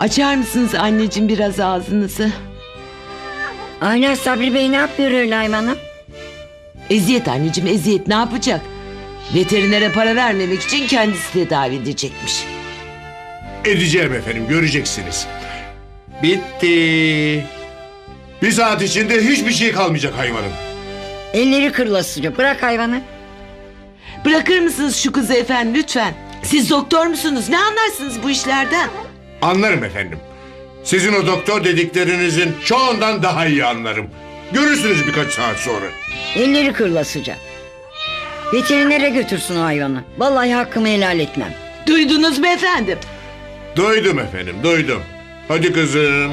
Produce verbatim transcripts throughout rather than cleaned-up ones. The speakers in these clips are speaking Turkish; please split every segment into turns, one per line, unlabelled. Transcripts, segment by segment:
Açar mısınız anneciğim biraz ağzınızı?
Ayla Sabri Bey ne yapıyor öyle hayvanım?
Eziyet anneciğim, eziyet, ne yapacak? Veterinere para vermemek için kendisi tedavi edecekmiş.
Edeceğim efendim, göreceksiniz. Bitti. Bir saat içinde hiçbir şey kalmayacak hayvanın.
Elleri kırılasıca, bırak hayvanı.
Bırakır mısınız şu kızı efendim lütfen? Siz doktor musunuz? Ne anlarsınız bu işlerden?
Anlarım efendim. Sizin o doktor dediklerinizin çoğundan daha iyi anlarım. Görürsünüz birkaç saat sonra.
Elleri kırılasıca. Veterinere götürsün o hayvanı. Vallahi hakkımı helal etmem.
Duydunuz mu efendim?
Duydum efendim, duydum. Hadi kızım.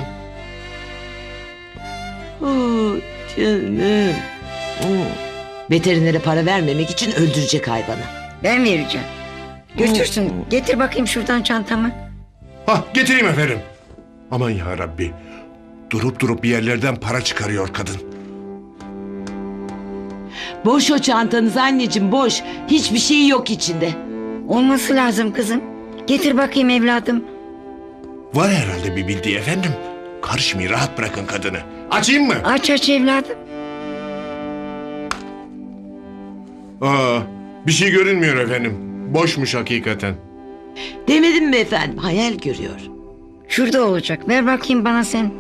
Oh canım. Oh. Veterinere para vermemek için öldürecek hayvanı.
Ben vereceğim. Götürsün. Getir bakayım şuradan çantamı.
Hah, getireyim efendim. Aman ya Rabbi. Durup durup bir yerlerden para çıkarıyor kadın.
Boş o çantanız anneciğim, boş. Hiçbir şey yok içinde.
Olması lazım kızım. Getir bakayım evladım.
Var herhalde bir bildiği efendim. Karışmayın, rahat bırakın kadını. Açayım mı?
Aç aç evladım.
Aa, bir şey görünmüyor efendim. Boşmuş hakikaten.
Demedim mi efendim? Hayal görüyor.
Şurada olacak. Ver bakayım bana sen.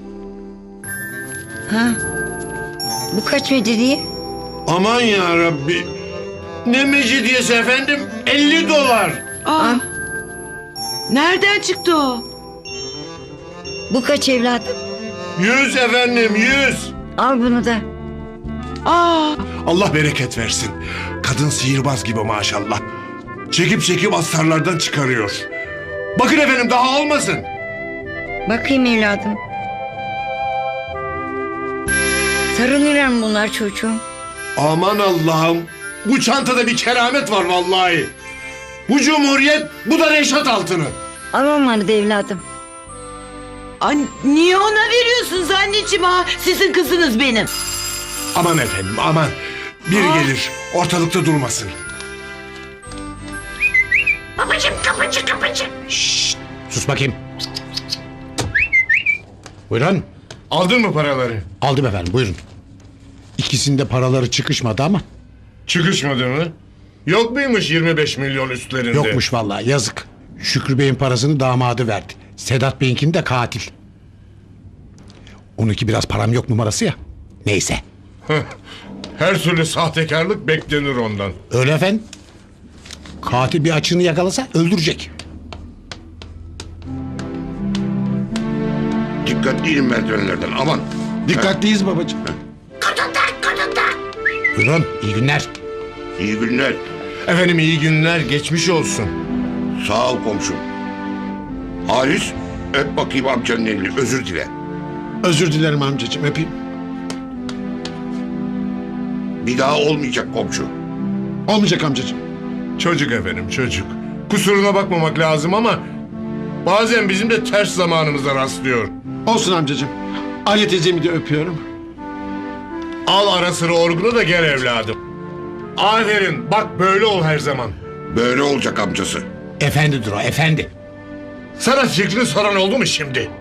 Ha? Bu kaç mecidye?
Aman ya Rabbi. Ne mecidiyesi efendim? elli dolar.
Aa, nereden çıktı o?
Bu kaç evladım?
yüz efendim, yüz.
Al bunu da.
Aa,
Allah bereket versin. Kadın sihirbaz gibi maşallah. Çekip çekip astarlardan çıkarıyor. Bakın efendim, daha olmasın.
Bakayım evladım. Sarılırlar mı bunlar çocuğum?
Aman Allah'ım. Bu çantada bir keramet var vallahi. Bu cumhuriyet, bu da Reşat altını.
Al onları da evladım.
an, niye ona veriyorsunuz anneciğim ha? Sizin kızınız benim.
Aman efendim, aman. Biri
Aa.
gelir, ortalıkta durmasın.
Babacığım kapıcı kapıcı.
Sus bakayım. Buyurun.
Aldın mı paraları?
Aldım efendim, buyurun. İkisinde paraları çıkışmadı ama.
Çıkışmadı mı? Yok muymuş yirmi beş milyon üstlerinde?
Yokmuş vallahi, yazık. Şükrü Bey'in parasını damadı verdi. Sedat Bey'inkini de katil. Onunki biraz param yok numarası ya. Neyse.
Her türlü sahtekarlık beklenir ondan.
Öyle efendim. Katil bir açığını yakalasa öldürecek.
Dikkatli merdivenlerden, aman.
Dikkatliyiz babacığım. Buyurun, iyi günler.
İyi günler.
Efendim iyi günler, geçmiş olsun.
Sağ ol komşum. Halis, öp bakayım amcanın elini, özür dile.
Özür dilerim amcacığım, öpeyim.
Bir daha olmayacak komşu.
Olmayacak amcacığım.
Çocuk efendim, çocuk. Kusuruna bakmamak lazım ama bazen bizim de ters zamanımıza rastlıyor.
Olsun amcacığım. Aliye teyzemi de öpüyorum.
Al ara sıra orgunu da gel evladım. Aferin, bak böyle ol her zaman.
Böyle olacak amcası.
Efendidir o, efendi.
Sana fikrini soran oldu mu şimdi?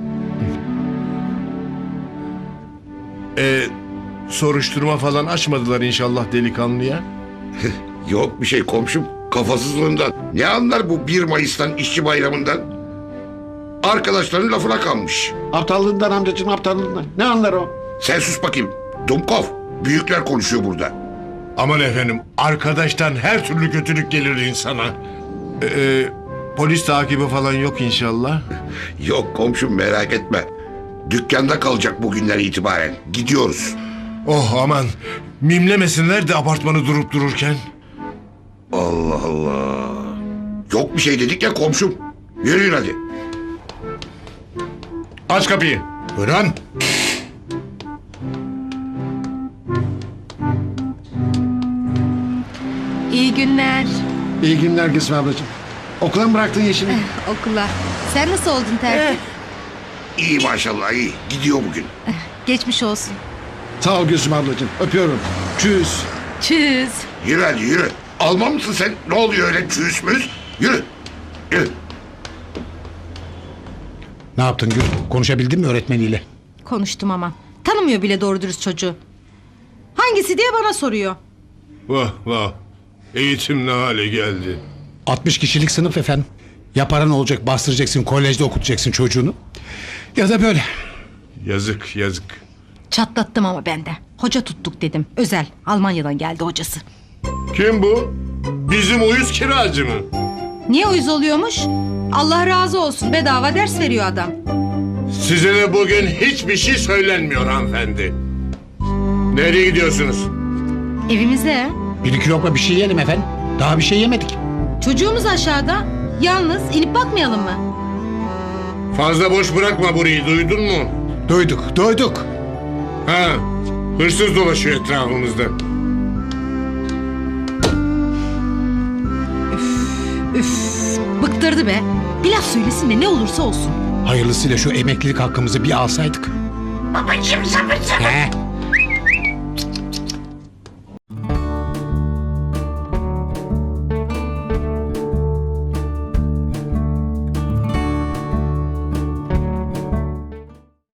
Ee, soruşturma falan açmadılar inşallah delikanlıya.
Yok bir şey komşum, kafasızlığından. Ne anlar bu bir Mayıs'tan, işçi bayramından? Arkadaşların lafına kalmış.
Aptallığından amcacığım, aptallığından. Ne anlar o?
Sen sus bakayım. Dumkov, büyükler konuşuyor burada.
Aman efendim, arkadaştan her türlü kötülük gelir insana. Ee, polis takibi falan yok inşallah.
Yok komşum, merak etme. Dükkanda kalacak bugünden itibaren. Gidiyoruz.
Oh aman, mimlemesinler de apartmanı durup dururken.
Allah Allah. Yok bir şey dedik ya komşum. Yürüyün hadi.
Aç kapıyı.
Buyurun.
İyi günler.
İyi günler Gülsüm ablacığım. Okula mı bıraktın Yeşim'i?
Okula. Sen nasıl oldun tertip?
İyi maşallah, iyi. Gidiyor bugün.
Geçmiş olsun.
Sağ ol Gülsüm ablacığım. Öpüyorum. Çüz.
Çüz.
Yürü hadi yürü. Alman mısın sen? Ne oluyor öyle çüğüs müz? Yürü. Yürü.
Ne yaptın Gül? Konuşabildin mi öğretmeniyle?
Konuştum ama. Tanımıyor bile doğru dürüst çocuğu. Hangisi diye bana soruyor.
Vah vah. Eğitim ne hale geldi.
altmış kişilik sınıf efendim. Ya paran olacak, bastıracaksın, kolejde okutacaksın çocuğunu. Ya da böyle.
Yazık yazık.
Çatlattım ama ben de. Hoca tuttuk dedim. Özel. Almanya'dan geldi hocası.
Kim bu? Bizim uyuz kiracı mı?
Niye uyuz oluyormuş? Allah razı olsun. Bedava ders veriyor adam.
Size de bugün hiçbir şey söylenmiyor hanımefendi. Nereye gidiyorsunuz?
Evimize.
Bir iki lokma bir şey yiyelim efendim. Daha bir şey yemedik.
Çocuğumuz aşağıda. Yalnız inip bakmayalım mı?
Fazla boş bırakma burayı, duydun mu?
Duyduk, duyduk.
Ha, hırsız dolaşıyor etrafımızda.
Üf, bıktırdı be. Bir laf söylesin de ne olursa olsun.
Hayırlısıyla şu emeklilik hakkımızı bir alsaydık.
Babacığım sabır sabır.
He?